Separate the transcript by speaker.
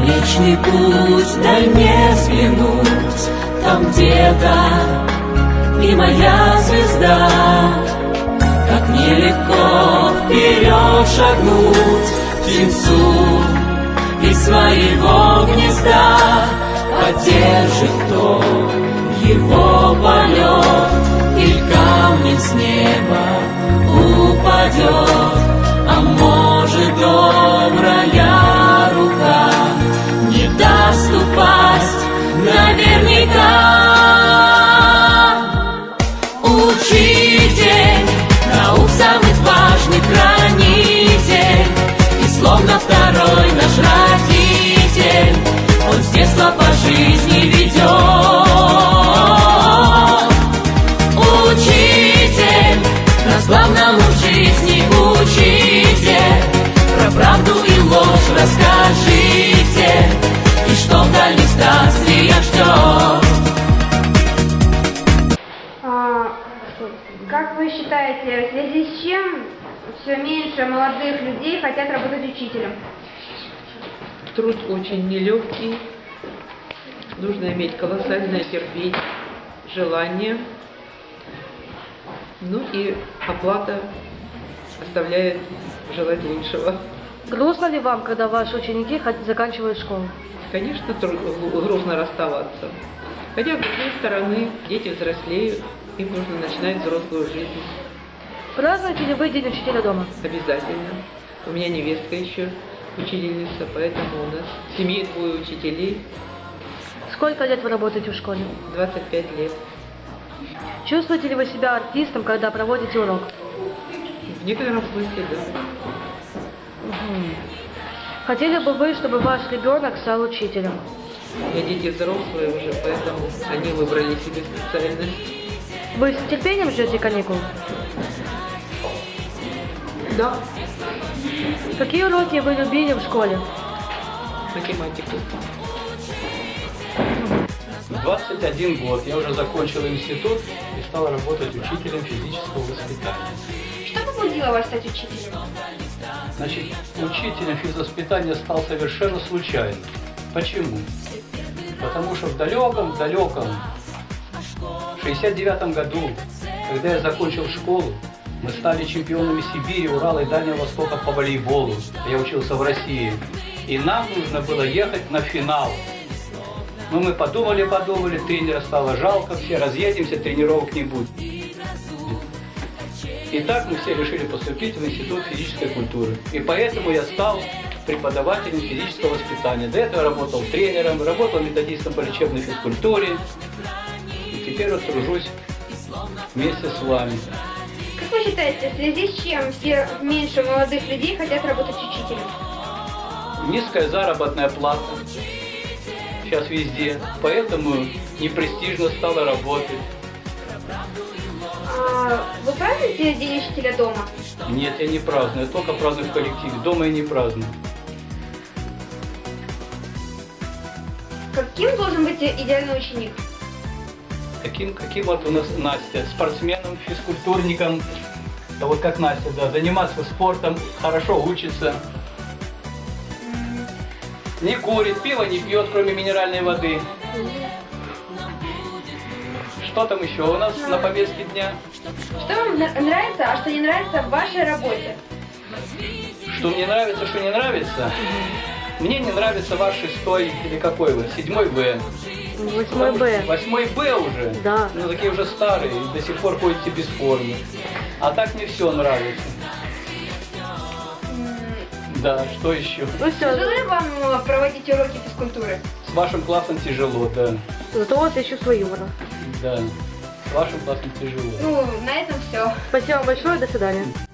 Speaker 1: Млечный путь, дай мне взглянуть, там где-то и моя звезда. Как нелегко вперед шагнуть птенцу из своего гнезда. Поддержит кто его полет, или камнем с неба упадет. А может, добрая рука не даст упасть наверняка. Учитель наук, самый важный хранитель, и словно второй наш родитель, он с детства по жизни ведет. Учитель нас главному в жизни учите, про правду и ложь расскажите, и что вдали странствия ждет.
Speaker 2: Как вы считаете, в связи с чем все меньше молодых людей хотят работать учителем?
Speaker 3: Труд очень нелегкий, нужно иметь колоссальное терпение, желание, ну и оплата оставляет желать лучшего.
Speaker 4: Грустно ли вам, когда ваши ученики заканчивают школу?
Speaker 3: Конечно, грустно расставаться. Хотя, с другой стороны, дети взрослеют, им нужно начинать взрослую жизнь.
Speaker 4: Празднуете ли вы День учителя дома?
Speaker 3: Обязательно. У меня невестка еще учительница, поэтому у нас в семье 2 учителей.
Speaker 4: Сколько лет вы работаете в школе?
Speaker 3: 25 лет.
Speaker 4: Чувствуете ли вы себя артистом, когда проводите урок?
Speaker 3: В некотором смысле, да.
Speaker 4: Хотели бы вы, чтобы ваш ребенок стал учителем?
Speaker 3: У меня дети взрослые уже, поэтому они выбрали себе специальность.
Speaker 4: Вы с терпением ждете каникул?
Speaker 3: Да.
Speaker 4: Какие уроки вы любили в школе?
Speaker 3: Математику.
Speaker 5: 21 год. Я уже закончил институт и стал работать учителем физического воспитания.
Speaker 2: Что побудило вас стать учителем?
Speaker 5: Значит, учителем физвоспитания стал совершенно случайно. Почему? Потому что в далеком 69 году, когда я закончил школу, мы стали чемпионами Сибири, Урала и Дальнего Востока по волейболу. Я учился в России. И нам нужно было ехать на финал. Но мы подумали, тренера стало жалко, все разъедемся, тренировок не будет. И так мы все решили поступить в Институт физической культуры. И поэтому я стал преподавателем физического воспитания. До этого я работал тренером, работал методистом по лечебной физкультуре. И теперь вот тружусь вместе с вами.
Speaker 2: Как вы считаете, в связи с чем все меньше молодых людей хотят работать учителем?
Speaker 5: Низкая заработная плата сейчас везде, поэтому непрестижно стало работать.
Speaker 2: Вы празднуете День учителя дома?
Speaker 5: Нет, я не праздную, я только праздную в коллективе, дома я не праздную.
Speaker 2: Каким должен быть идеальный ученик?
Speaker 5: Каким вот у нас Настя, спортсменом, физкультурником, да вот как Настя, да, заниматься спортом, хорошо учится, не курит, пиво не пьет, кроме минеральной воды. Что там еще у нас на повестке дня?
Speaker 2: Что вам нравится, а что не нравится в вашей работе?
Speaker 5: Что мне нравится, что не нравится? Мне не нравится ваш 6-й, или какой вы, 7-й Б.
Speaker 4: 8 Б.
Speaker 5: 8 Б уже?
Speaker 4: Да.
Speaker 5: Ну такие уже старые, до сих пор ходите без формы. А так мне все нравится. Да, что еще?
Speaker 4: Ну все.
Speaker 2: Тяжело ли вам проводить уроки физкультуры?
Speaker 5: С вашим классом тяжело, да.
Speaker 4: Зато у вас есть чувство юмора.
Speaker 5: Да, с вашим классом тяжело.
Speaker 2: Ну, на этом все.
Speaker 4: Спасибо вам большое, до свидания.